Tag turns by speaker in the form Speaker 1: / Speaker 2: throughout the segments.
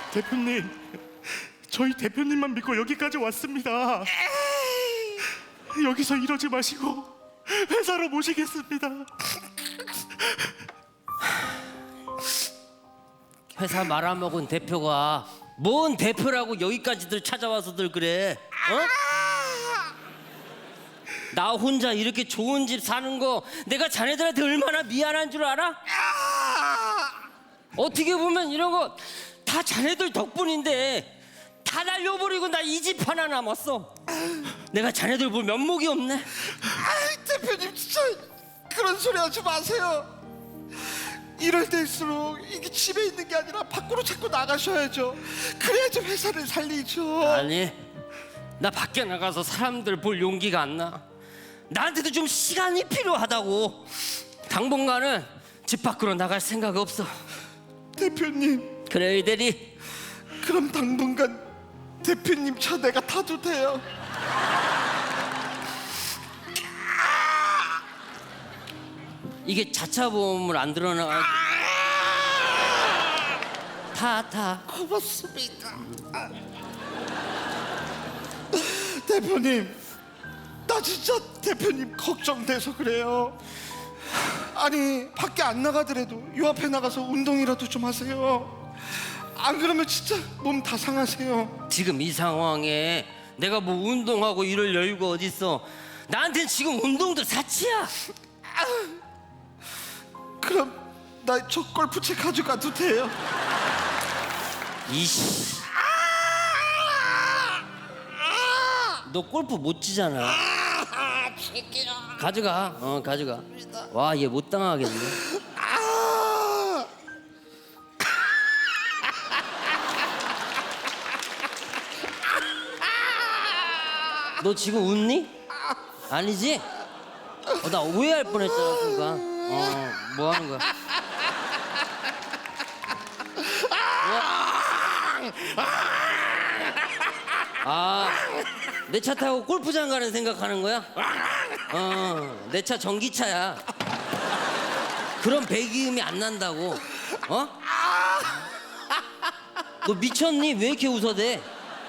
Speaker 1: 대표님, 저희 대표님만 믿고 여기까지 왔습니다. 여기서 이러지 마시고 회사로 모시겠습니다.
Speaker 2: 회사 말아먹은 대표가 뭔 대표라고 여기까지들 찾아와서들 그래? 어? 나 혼자 이렇게 좋은 집 사는 거 내가 자네들한테 얼마나 미안한 줄 알아? 어떻게 보면 이런 거 다 자네들 덕분인데 다 날려버리고 나 이 집 하나 남았어. 내가 자네들 볼 면목이 없네.
Speaker 3: 아이, 대표님 진짜 그런 소리 하지 마세요. 이럴 때일수록 이게 집에 있는 게 아니라 밖으로 자꾸 나가셔야죠. 그래야지 회사를 살리죠.
Speaker 2: 아니, 나 밖에 나가서 사람들 볼 용기가 안 나. 나한테도 좀 시간이 필요하다고. 당분간은 집 밖으로 나갈 생각 없어.
Speaker 3: 대표님,
Speaker 2: 그래 이대리.
Speaker 3: 그럼 당분간 대표님 차 내가 타도 돼요?
Speaker 2: 이게 자차 보험을 안 들어놔. 타.
Speaker 3: 고맙습니다. 대표님, 나 진짜 대표님 걱정돼서 그래요. 아니, 밖에 안 나가더라도 요 앞에 나가서 운동이라도 좀 하세요. 안 그러면 진짜 몸 다 상하세요.
Speaker 2: 지금 이 상황에 내가 뭐 운동하고 이럴 여유가 어딨어. 나한텐 지금 운동도 사치야.
Speaker 3: 그럼 나 저 골프채 가져가도 돼요?
Speaker 2: 이씨. 너 골프 못 치잖아. 가져가. 가져가. 와, 얘 못 당하겠네. 너 지금 웃니? 아니지? 나 오해할 뻔했잖아 순간. 뭐 하는 거야? 내 차 타고 골프장 가는 생각하는 거야? 내 차 전기차야. 그런 배기음이 안 난다고. 너 미쳤니? 왜 이렇게 웃어대?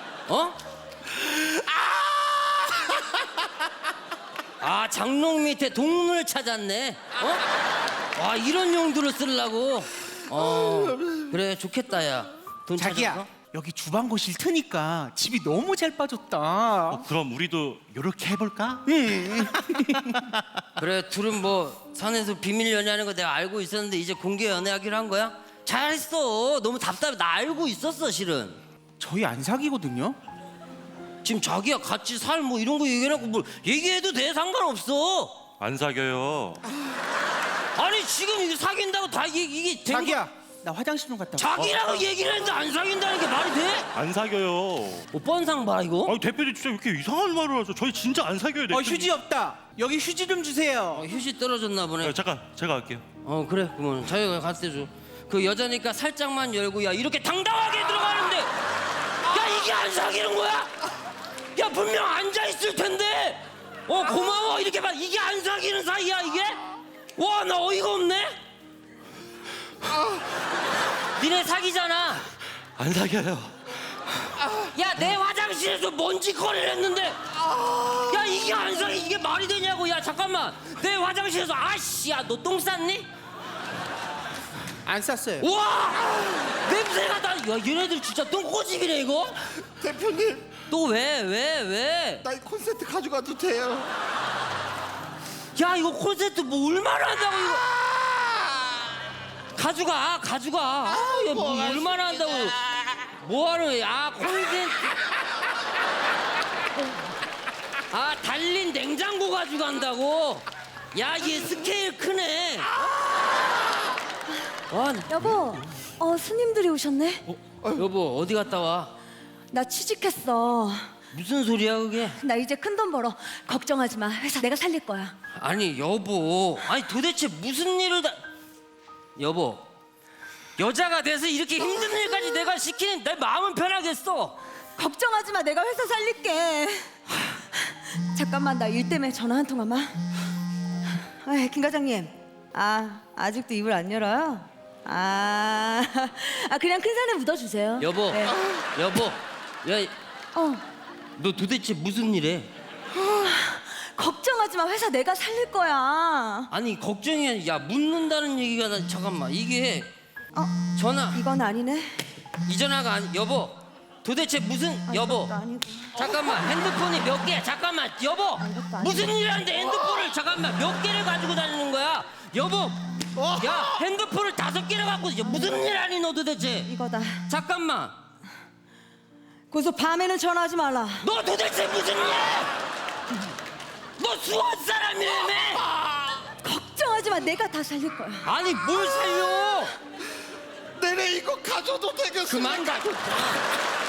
Speaker 2: 장롱 밑에 동물 찾았네. 와, 이런 용도로 쓰려고. 그래, 좋겠다 야. 돈
Speaker 4: 자기야,
Speaker 2: 찾았어?
Speaker 4: 여기 주방 거실 트니까 집이 너무 잘 빠졌다.
Speaker 1: 그럼 우리도 이렇게 해볼까?
Speaker 2: 그래, 둘은 뭐 산에서 비밀 연애하는 거 내가 알고 있었는데 이제 공개 연애하기로 한 거야? 잘했어. 너무 답답해. 나 알고 있었어 실은.
Speaker 4: 저희 안 사귀거든요.
Speaker 2: 지금 자기야 같이 살 뭐 이런 거 얘기해놓고 뭘 얘기해도 돼. 상관없어.
Speaker 1: 안 사겨요.
Speaker 2: 아니 지금 이게 사귄다고 다 이게 된
Speaker 4: 자기야, 나 화장실 좀 갔다 올게.
Speaker 2: 자기라고 얘기를 했는데 안 사귄다는 게 말이 돼?
Speaker 1: 안 사겨요.
Speaker 2: 뭐 뻔상 봐라 이거.
Speaker 1: 아니 대표님 진짜 왜 이렇게 이상한 말을 하죠? 저희 진짜 안 사겨요. 대표님.
Speaker 4: 휴지 없다. 여기 휴지 좀 주세요.
Speaker 2: 휴지 떨어졌나 보네.
Speaker 1: 잠깐 제가 할게요.
Speaker 2: 그래 그러면 자기가 갔을 때 줘. 그 여자니까 살짝만 열고 야 이렇게 당당하게 들어가는데 야 이게 안 사귀는 거야? 야 분명 앉아 있을 텐데. 고마워 이렇게 봐. 이게 안 사귀는 사이야 이게? 와 나 어이가 없네. 니네 사귀잖아.
Speaker 1: 안 사겨요.
Speaker 2: 야 내 화장실에서 먼지거리를 했는데 야 이게 안 사귀 이게 말이 되냐고. 야 잠깐만 내 화장실에서 아씨 야 너 똥 쌌니?
Speaker 4: 안 쌌어요.
Speaker 2: 우와 냄새가 나. 야 얘네들 진짜 똥꼬집이네 이거.
Speaker 3: 대표님,
Speaker 2: 또 왜?
Speaker 3: 나 이 콘센트 가져가도 돼요?
Speaker 2: 야 이거 콘센트 뭐 얼마나 한다고 이거. 가져가. 야 뭐 얼마나 한다고. 뭐하는 거야? 콘센트. 달린 냉장고 가져간다고. 야 얘 스케일 크네.
Speaker 5: 여보, 스님들이 오셨네.
Speaker 2: 여보 어디 갔다 와?
Speaker 5: 나 취직했어.
Speaker 2: 무슨 소리야 그게?
Speaker 5: 나 이제 큰 돈 벌어. 걱정하지 마. 회사 내가 살릴 거야.
Speaker 2: 아니 여보, 아니 도대체 무슨 일을 다. 여보, 여자가 돼서 이렇게 힘든 일까지 내가 시키는 내 마음은 편하겠어.
Speaker 5: 걱정하지 마. 내가 회사 살릴게. 잠깐만 나 일 때문에 전화 한 통화만. 김 과장님. 아직도 입을 안 열어요? 그냥 큰 산에 묻어주세요.
Speaker 2: 여보,
Speaker 5: 네.
Speaker 2: 여보, 야,
Speaker 5: 어,
Speaker 2: 너 도대체 무슨 일해?
Speaker 5: 걱정하지 마. 회사 내가 살릴 거야.
Speaker 2: 아니 걱정이 아니라 야 묻는다는 얘기가 나 잠깐만 이게 전화
Speaker 5: 이건 아니네.
Speaker 2: 이 전화가 아니 여보 도대체 무슨 여보
Speaker 5: 이것도 아니고.
Speaker 2: 잠깐만 핸드폰이 몇 개? 잠깐만 여보
Speaker 5: 이것도 아니고.
Speaker 2: 무슨 일 하는데 핸드폰을 잠깐만 몇 개를 가지고 다니는 거야? 여보 야 핸드폰을 5개를 갖고 무슨 일 하니 너 도대체?
Speaker 5: 이거다.
Speaker 2: 잠깐만
Speaker 5: 고소 밤에는 전화하지 말라.
Speaker 2: 너 도대체 무슨 일이야? 너 수원 사람이라며?
Speaker 5: 걱정하지 마. 내가 다 살릴 거야.
Speaker 2: 아니 뭘 살려?
Speaker 3: 내내 이거 가져도 되겠어?
Speaker 2: 그만 가져.